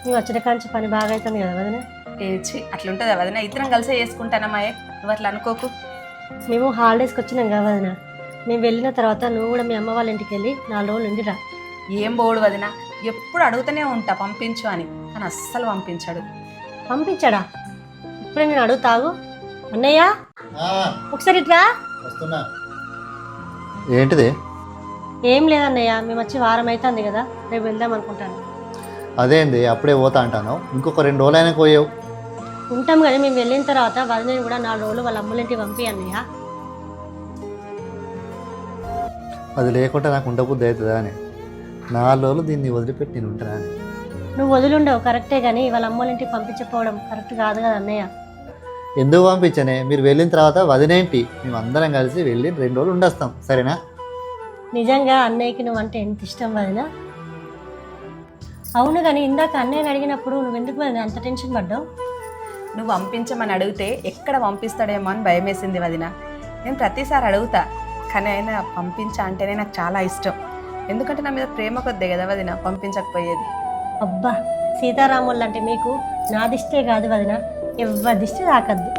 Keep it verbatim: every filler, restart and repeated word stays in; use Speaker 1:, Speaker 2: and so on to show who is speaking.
Speaker 1: మేము వచ్చిన కాంచి పని బాగా అవుతుంది కదా వదిన.
Speaker 2: ఏచి అట్లుంటుందా వదిన? ఇద్దరం కలిసే చేసుకుంటానమ్మాయే, నువ్వు అట్లా అనుకోకు.
Speaker 1: మేము హాలిడేస్కి వచ్చినాం కదా వదిన. మేము వెళ్ళిన తర్వాత నువ్వు కూడా మీ అమ్మ వాళ్ళ ఇంటికి వెళ్ళి నాలుగు రోజులు ఉండిరా.
Speaker 2: ఏం బోడు వదిన, ఎప్పుడు అడుగుతూనే ఉంటా పంపించు అని, కానీ అస్సలు పంపించాడు.
Speaker 1: పంపించాడా? ఇప్పుడే నేను అడుగుతాగు. అన్నయ్య
Speaker 3: ఆ,
Speaker 1: ఒకసారి ఇట్లా.
Speaker 3: వస్తున్నా. ఏంటిది?
Speaker 1: ఏం లేదన్నయ్య, మేము వచ్చి వారం అవుతుంది కదా, రేపు వెళ్దాం అనుకుంటాను.
Speaker 3: అదేంది అప్పుడే పోతా అంటాను, ఇంకొక రెండు రోజులైనా పోయావు.
Speaker 1: ఉంటాం కానీ మేము వెళ్ళిన తర్వాత వదినని కూడా నాలుగు రోజులు వాళ్ళ అమ్మలింటికి పంపి అన్నయ్య.
Speaker 3: అది లేకుంటే నాకు ఉండబుద్ధి అవుతుందా అని. నాలుగు రోజులు దీన్ని వదిలిపెట్టి నేను ఉంటానా అని.
Speaker 1: నువ్వు వదిలుండవు కరెక్టే, కానీ వాళ్ళ అమ్మలింటికి పంపించకపోవడం కరెక్ట్ కాదు కదా అన్నయ్య.
Speaker 3: ఎందుకు పంపించనే? మీరు వెళ్ళిన తర్వాత వదినేంటి, మేము అందరం కలిసి వెళ్ళి రెండు రోజులు ఉండొస్తాం, సరేనా?
Speaker 1: నిజంగా అన్నయ్యకి నువ్వు అంటే ఎంత ఇష్టం వదిన. అవును, కానీ ఇందాక అన్నయ్యని అడిగినప్పుడు నువ్వు ఎందుకు వదిన అంత టెన్షన్ పడ్డావు?
Speaker 2: నువ్వు పంపించమని అడిగితే ఎక్కడ పంపిస్తాడేమో అని భయం వేసింది వదిన. నేను ప్రతిసారి అడుగుతా, కానీ ఆయన పంపించా అంటేనే నాకు చాలా ఇష్టం. ఎందుకంటే నా మీద ప్రేమ కొద్దే కదా వదిన పంపించకపోయేది.
Speaker 1: అబ్బా, సీతారాములు అంటే మీకు నా దిష్టే కాదు వదిన, ఎవరి దిష్టి తాకద్దు.